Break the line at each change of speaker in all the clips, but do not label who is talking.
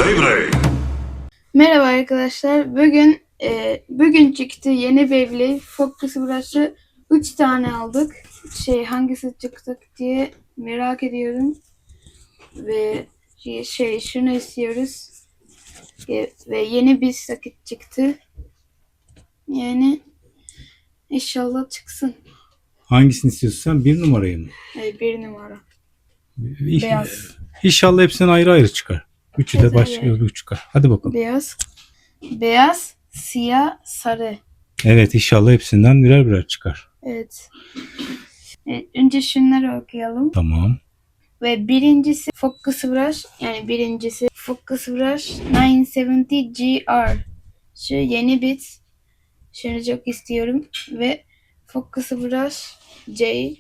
Merhaba arkadaşlar. Bugün çıktı yeni Beyblade Focus Brush'ı 3 tane aldık. Hangisi çıktı diye merak ediyorum. Ve şunu istiyoruz. Ve yeni bir sakit çıktı. Yani inşallah çıksın.
Hangisini istiyorsun sen? Bir numarayı mı?
1 numara.
Beyaz. İnşallah hepsinden ayrı ayrı çıkar. Üçü de başka bir çıkar. Hadi bakalım.
Beyaz, siyah, sarı.
Evet, inşallah hepsinden birer birer çıkar.
Evet. Önce şunları okuyalım.
Tamam.
Ve birincisi Focus Brush, Focus Brush 970 GR. Şu yeni bit. Şunu çok istiyorum. Ve Focus Brush J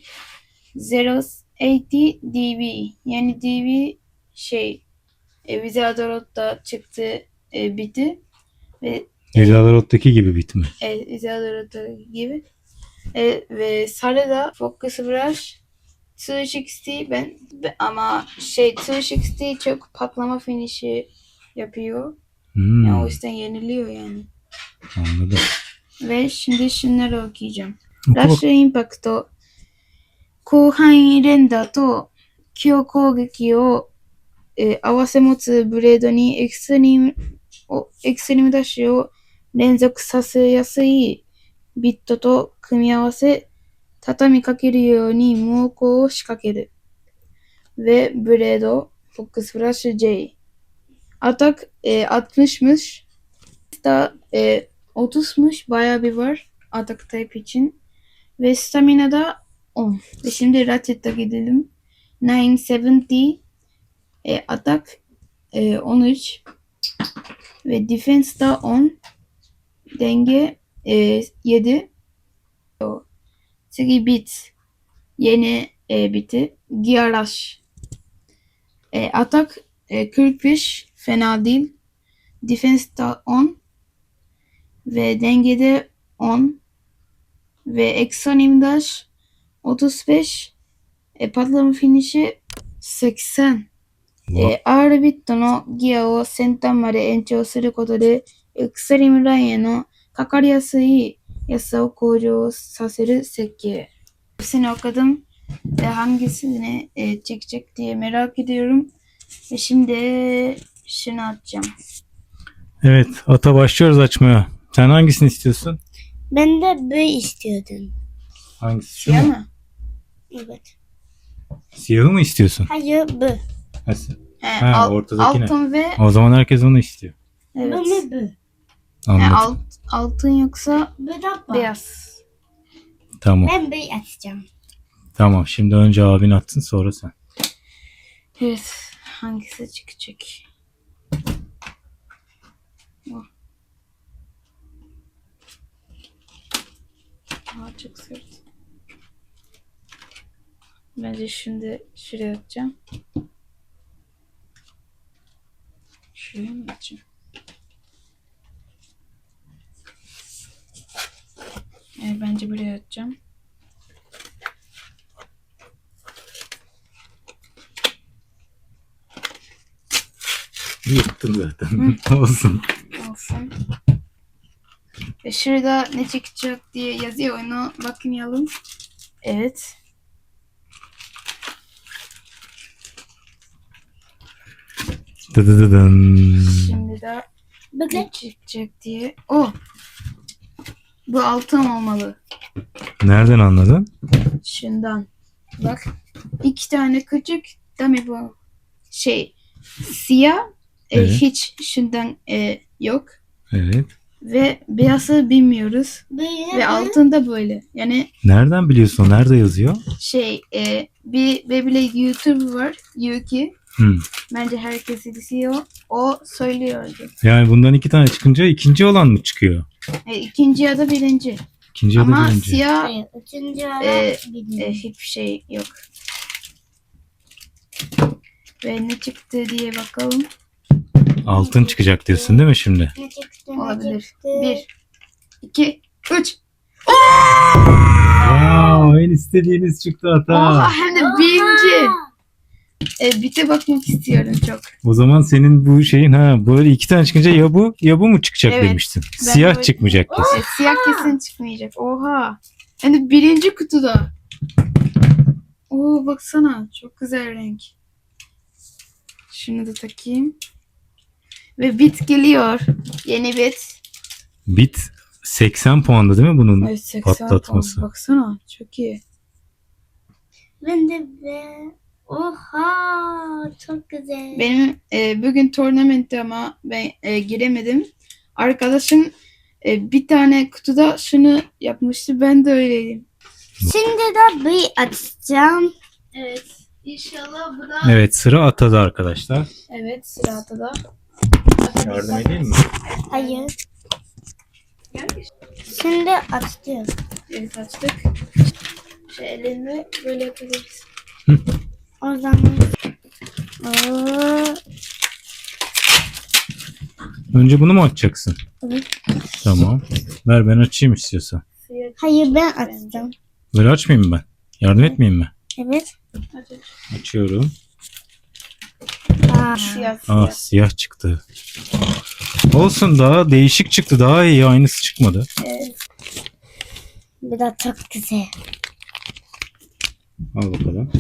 080 dB. Yani dB Vizadorot'ta çıktı biti. Ve
Vizadorot'taki gibi bitme.
Vizadorot'ta gibi. Ve sarı da Focus Brush 260 ama 260 çok patlama finişi yapıyor. Yani o yüzden yeniliyor yani.
Anladım.
Ve şimdi şunları okuyacağım. Rush Impact 広範囲連打と強攻撃を、合わせ持つブレードにエクストリームダッシュを連続させやすいビットと組み合わせ畳みかけるように猛攻を仕掛ける。Ve Blade Focus Brush J. Atak 60'mış. Da 30'muş. Bayağı bir var. Atak type için. Ve Stamina da 10. Ve şimdi Ratchet'a gidelim. 970 Atak 13. Ve Defense da 10. Denge 7.次Bit. Yeni biti. Gear Rush. Atak 45. Fena değil. Defense da 10. Ve dengede 10. Ve Exonim Dash 35. Patlama finişi 80. R ビットのギアを先端まで延長することで、エクストリームラインへのかかりやすい安さを向上させる設計。Hepsini okudum ve hangisini çekecek diye merak ediyorum. Ve şimdi şunu açacağım.
Evet, ata başlıyoruz açmaya. Sen hangisini istiyorsun?
Ben de B istiyordum.
Hangisi? Şu
Siyah
mu?
mı?
Evet.
Siyahı mı istiyorsun?
Hayır B.
Ortadakine.
Altın ve
O zaman herkes onu istiyor.
evet.
Ben de B.
Anladım.
Altın yoksa
B de
beyaz.
Tamam.
Ben B açacağım.
Tamam. Şimdi önce abin atsın, sonra sen.
Evet. Hangisi çıkacak? Çok sert. Bence şimdi şuraya atacağım. Şuraya mı atacağım? Evet, bence buraya atacağım.
Yıktın zaten. Olsun.
Olsun. Ve şurada ne çıkacak diye yazıyor, onu bakmayalım. Evet. Şimdi de ne çıkacak diye. Bu altın olmalı.
Nereden anladın?
Şundan. Bak. 2 tane küçük. Değil bu? Siyah.
Evet.
Hiç şundan yok.
Evet.
Ve beyazı bilmiyoruz. Ve altında böyle. Yani
Nereden biliyorsun? Nerede yazıyor?
bir Beyblade YouTuber var. Yuki.
Hmm.
Bence herkes izliyor. O söylüyordu.
Yani bundan 2 tane çıkınca ikinci olan mı çıkıyor?
İkinci ya da birinci.
İkinci ya da
Ama
birinci.
siyah
Hayır. Üçüncü ara bilmiyorum.
hiçbir şey yok. Ve ne çıktı diye bakalım.
Altın çıkacak diyorsun değil mi şimdi?
Ne çıktı?
Olabilir.
çıktı?
1, 2, 3.
Wow, en istediğiniz çıktı ata.
Oha, hem de birinci. Bite bakmak istiyorum çok.
O zaman senin bu şeyin böyle iki tane çıkınca ya bu mu çıkacak
Evet.
demiştin.
Ben
Siyah
böyle-
çıkmayacak kesin.
Siyah kesin çıkmayacak. Oha. Yani birinci kutuda. Oo baksana. Çok güzel renk. Şunu da takayım. Ve bit geliyor. Yeni bit.
Bit 80 puanda değil mi bunun
Evet, 80
patlatması?
puan. Baksana. Çok iyi.
Ben de Oha çok güzel.
Benim bugün turnamentte ama ben giremedim. Arkadaşım bir tane kutuda şunu yapmıştı. Ben de öyleydim.
Şimdi de bir açacağım.
Evet. İnşallah bu da...
Evet, sıra Ata'da arkadaşlar.
Evet, sırada da.
Yardım edeyim mi?
Hayır. Şimdi açacağım.
Evet, açtık. Şu elini böyle yapabiliriz.
O zaman Oo,
Önce bunu mu açacaksın?
Evet.
Tamam. Ver ben açayım istiyorsan.
hayır ben açacağım.
Böyle açmayayım mı ben? Yardım etmeyeyim mi?
Evet.
Açıyorum.
Siyah,
Ah, siyah çıktı. Olsun, daha değişik çıktı. Daha iyi, aynısı çıkmadı.
Evet.
Bu da çok güzel.
Al bakalım.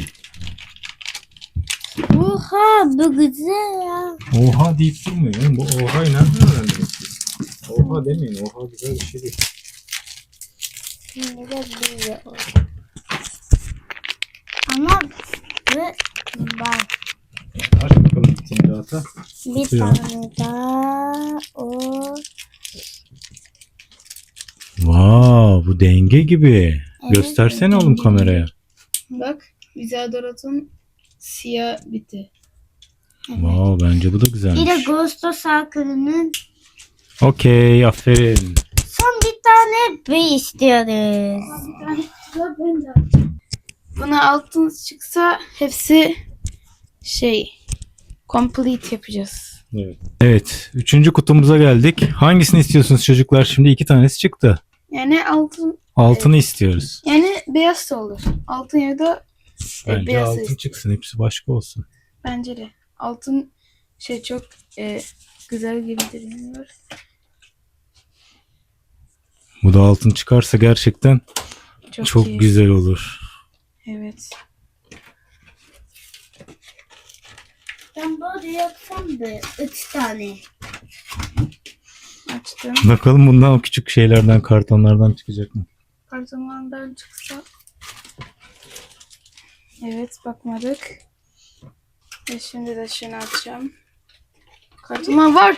Oha bu güzel ya.
Oha deyip durmuyor. Oğlum, bu oha'yı nereden öğrendiniz siz? Oha demeyin. Oha güzel bir şey değil.
Şimdi de böyle oldu. Ama bu var.
Aç bakalım şimdi Ata.
Bir
Tutuyorum.
tane daha o.
Wow, bu denge gibi.
Evet,
Göstersene oğlum
denge.
kameraya.
Bak, Vizadorat'ın siyah biti.
Wow, bence bu da
Bir de
güzelmiş.
Ghost Circle'ının
Okey, aferin.
son bir tane bir istiyoruz.
Buna altın çıksa hepsi complete yapacağız.
Evet, üçüncü kutumuza geldik. Hangisini istiyorsunuz çocuklar? Şimdi iki tanesi çıktı.
Yani altın,
Altını istiyoruz.
yani beyaz da olur. Altın ya da
Bence
beyaz da
altın
istiyorum.
çıksın. Hepsi başka olsun.
Bence de. Altın çok güzel gibi görünüyor.
Bu da altın çıkarsa gerçekten çok
iyi.
güzel olur.
Evet.
Ben böyle yapsam da 3 tane.
Açtım.
Bakalım bundan o küçük şeylerden, kartonlardan çıkacak mı?
Kartonlardan çıksa. Evet, bakmadık. Ve şimdi de şunu açacağım. Kartonlar var.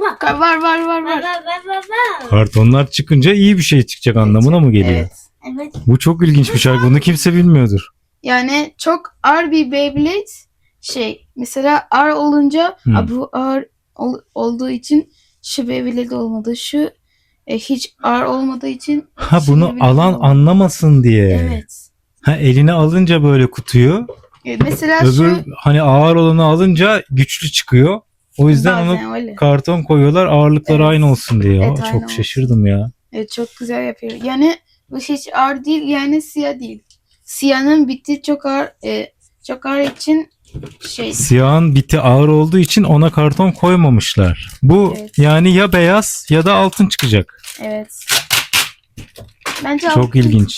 Var.
Kartonlar çıkınca iyi bir şey çıkacak anlamına mı geliyor?
Evet.
Evet.
Bu çok ilginç bir şey. Bunu kimse bilmiyordur.
Yani çok ağır bir Beyblade mesela ağır olunca bu ağır olduğu için şu Beyblade olmadı. Şu hiç ağır olmadığı için
Ha,
şu
bunu
Beyblade
alan
olmadı.
anlamasın diye.
Evet.
Ha, eline alınca böyle kutuyu,
Mesela
öbür
şu
hani ağır olanı alınca güçlü çıkıyor. O yüzden
bazen
onu
öyle.
karton koyuyorlar, ağırlıkları
Evet.
aynı olsun diye.
Evet,
Aa,
aynı
çok
olsun.
şaşırdım ya.
Evet, çok güzel yapıyor. Yani bu hiç ağır değil, yani siyah değil. Siyahın biti çok ağır için
Siyahın biti ağır olduğu için ona karton koymamışlar. Bu
Evet.
yani ya beyaz ya da altın çıkacak.
evet. Bence
Çok ilginç.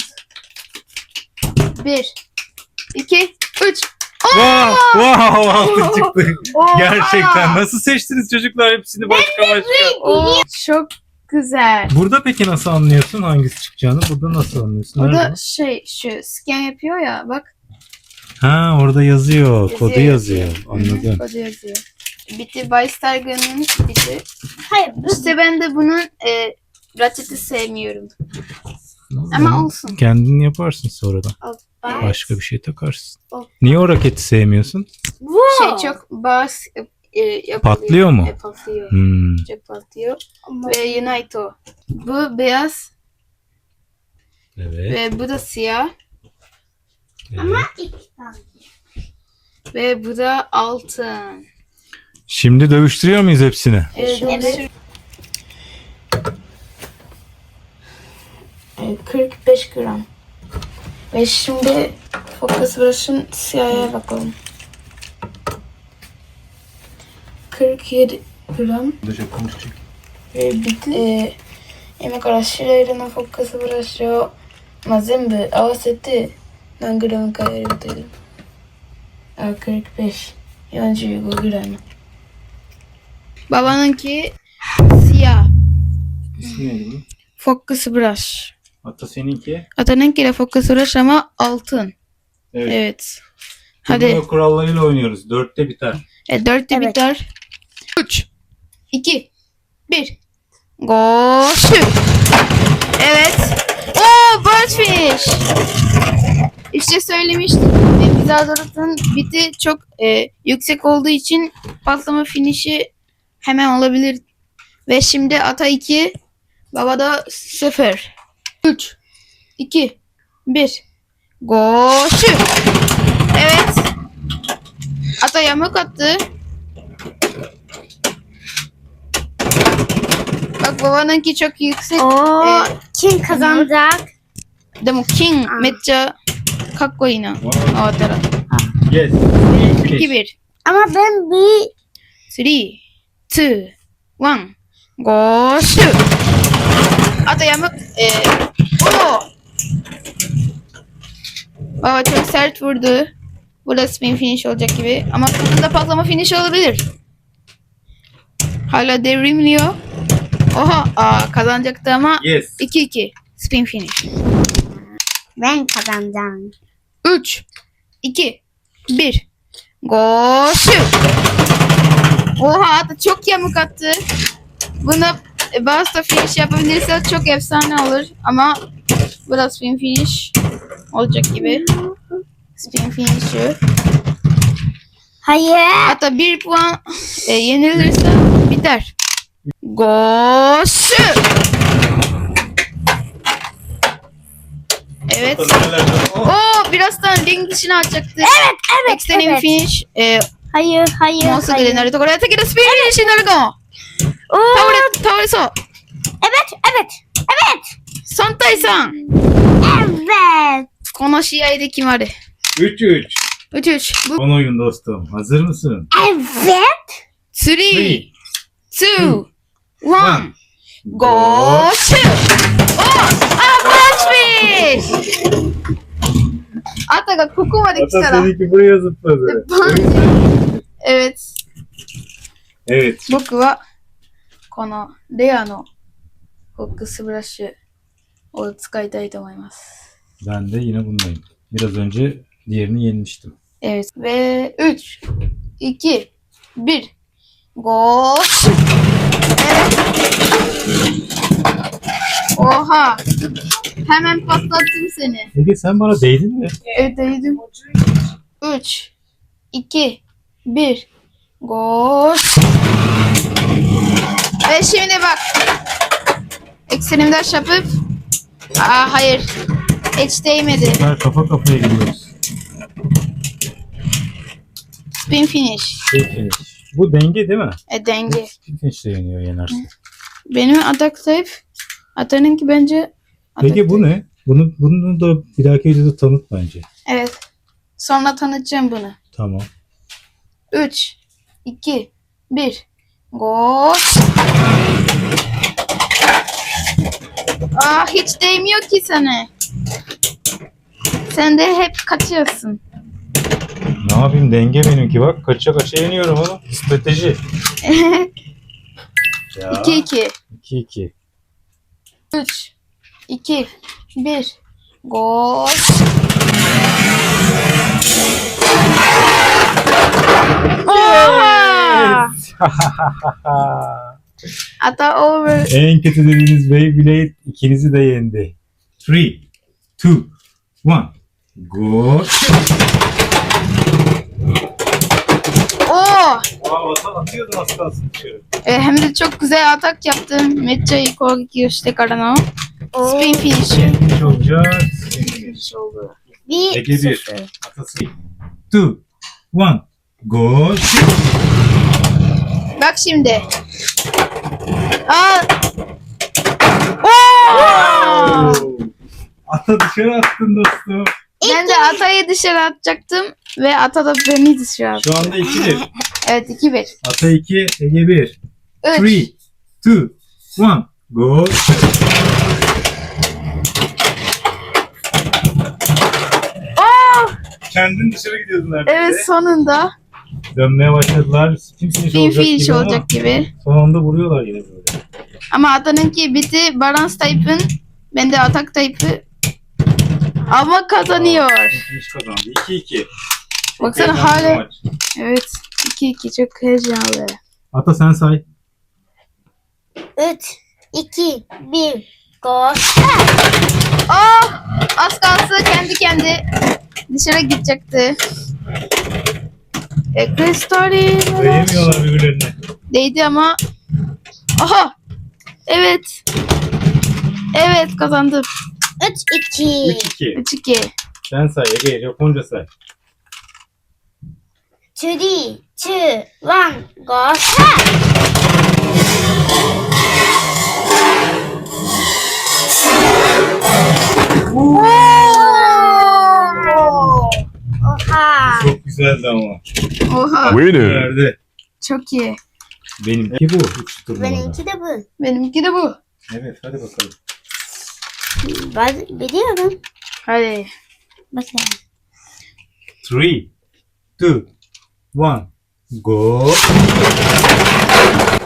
1, 2, 3.
Wow, wow, altın çıktı. Gerçekten nasıl seçtiniz çocuklar hepsini başka başka?
Çok güzel.
Burada peki nasıl anlıyorsun hangisi çıkacağını? Burada nasıl anlıyorsun?
O da
Nerede?
şu scan yapıyor ya, bak.
Ha, orada yazıyor. Kodu yazıyor.
Hı hı,
Anladım.
kodu yazıyor. Biti Weistargan'ın biti.
Hayır bu
İşte ben de bunun Ratchet'i sevmiyorum. Ama olsun.
Kendin yaparsın sonradan.
Evet.
Başka bir şey takarsın.
O-
Niye o raketi sevmiyorsun?
Çok bas yapılıyor.
Patlıyor mu?
Patlıyor.
Hmm.
Çok patlıyor. Ve Unito. Bu beyaz
Evet.
ve bu da siyah.
evet.
iki tane.
Ve bu da altın.
Şimdi dövüştürüyor muyuz hepsini?
Evet. 45 gram. Ve şimdi fokus brush'ın siyaha bakalım. 47 gram.
どうしよう、このチェック。
今から白色のフォックスブラシを、全部合わせて何グラムかやる予定だ。40 45 gram. Babanınki siyah.
İsmi neydi bunun?
Focus brush.
Hatta seninki.
Atanınki de focus brush ama altın.
Evet.
Evet.
Hadi.
Hadi.
Kurallarıyla oynuyoruz. 4'te biter.
4'te
Evet.
biter. 3, 2, 1. Go shoot. Evet. Oo, birdfish. İşte söylemiştim. Bizadorot'un biti çok yüksek olduğu için patlama finişi hemen olabilir. Ve şimdi ata 2, baba da 0. 3, 2, 1. Go shoot. Evet. Ata yamuk attı. Bak babanınki çok yüksek.
Oo, kim kazanacak?
De mo king mecca kakko ina. Awatara.
Yes.
2 1.
Ama ben bir
3 2 1. Go shoot. Ata yamuk. Oo. Baba çok sert vurdu. Bu da spin finish olacak gibi. Ama sonunda patlama finish olabilir. Hala devrimliyor. Oha. Kazanacaktı ama
Yes.
2-2. Spin finish.
ben kazanacağım.
3 2 1. Go shoot. Oha, ata çok yamuk attı. Bunu bazı da finish yapabilirse çok efsane olur. Ama biraz spin finish olacak gibi. Spin finish'i.
Hayır.
Hatta 1 puan yenilirse biter. Go shoot. Evet. Oo, birazdan ring dışına atacaktı.
Evet,
Extreme
evet.
finish.
Hayır, hayır,
もうすぐで
hayır.
なるところやったけどスピンフィニッシュになるかも。
Oo,
倒れそう。
evet, evet, evet.
3対3。
Evet.
この試合で決まる。
3-3.
うちうち。
Son oyun dostum. Hazır mısın?
Evet.
3、2、1。Go shoot! おブラッシュフィッシュあたがここまで来た
Hatta
ら。
seninki buraya zıpladı.
Evet.
Evet.
僕はこのレアのフォックスブラッシュを使いたいと思います。
Ben de yine bundayım. Biraz önce diğerini yenmiştim.
Evet. Ve 3, 2, 1. Go. Evet. Oha. Hemen patlattım seni.
Ege sen bana değdin mi?
Evet değdim. 3, 2, 1. Go. Ve şimdi bak. Eksenimi daş yapıp. Hayır. Hiç değmedi.
Ben kafa kafaya gidiyoruz.
Spin finish.
Peki. Bu denge değil mi?
Denge.
Finish'te yeniyor yenersin.
Benim atak zayıf. Atanınki bence atak
Peki bu
zayıf.
ne? Bunu da bir dahaki videoda tanıt bence.
Evet. Sonra tanıtacağım bunu.
Tamam.
3, 2, 1. Go. Hiç değmiyor ki sana. Sen de hep kaçıyorsun.
Ne yapayım, denge benimki bak. Kaça kaça yeniyorum oğlum. Strateji. Ya.
2-2.
2-2.
3, 2, 1. Go. Oha! Ata over.
En kötü dediğiniz Beyblade ikinizi de yendi. 3, 2, 1. Go.
Oo!
Atıyordun az kalsın dışarı.
Hem de çok güzel atak yaptım. Mecca Kogeki işte karana. Spin finisher.
Finish olacak.
oldu.
Bir
Ege 1.
sıfır.
Atası 2, 1. Go.
Bak şimdi. Oo!
Ata dışarı attın dostum.
Ben de Ata'yı dışarı atacaktım ve Ata da beni dışarı attı.
Şu anda 2-1.
Evet 2-1.
Ata 2, Ege 1. 3,
3.
2, 1, go. Kendin dışarı gidiyordun neredeyse.
Evet sonunda
Dönmeye başladılar. Kim
bir finish
gibi
olacak
ama
gibi.
son anda vuruyorlar yine böyle.
Ama Ata'nınki bitti. Balance type'ın. Ben de atak type'ı. Ama kazanıyor.
Finish kazandı. 2-2. Çok
Baksana
heyecanlı bir
hala-
maç.
Evet. 2-2 çok heyecanlı.
Ata sen say.
3, 2, 1, go.
Oh! Az kalsın kendi dışarı gidecekti. Kristali
Değemiyorlar birbirlerine.
değdi ama. Aha! Evet. Evet kazandım.
3, 2.
3-2.
3-2.
Sen say Ege. Japonca say.
3, 2, 1, go. Oha.
Çok güzeldi ama.
Oha.
Winner.
Verdi.
Çok iyi.
Benimki bu. 3 turnuvada.
Benimki de bu.
Benimki de bu.
Evet hadi bakalım.
Ben biliyorum.
Hadi.
Bakın.
3, 2, 1, go.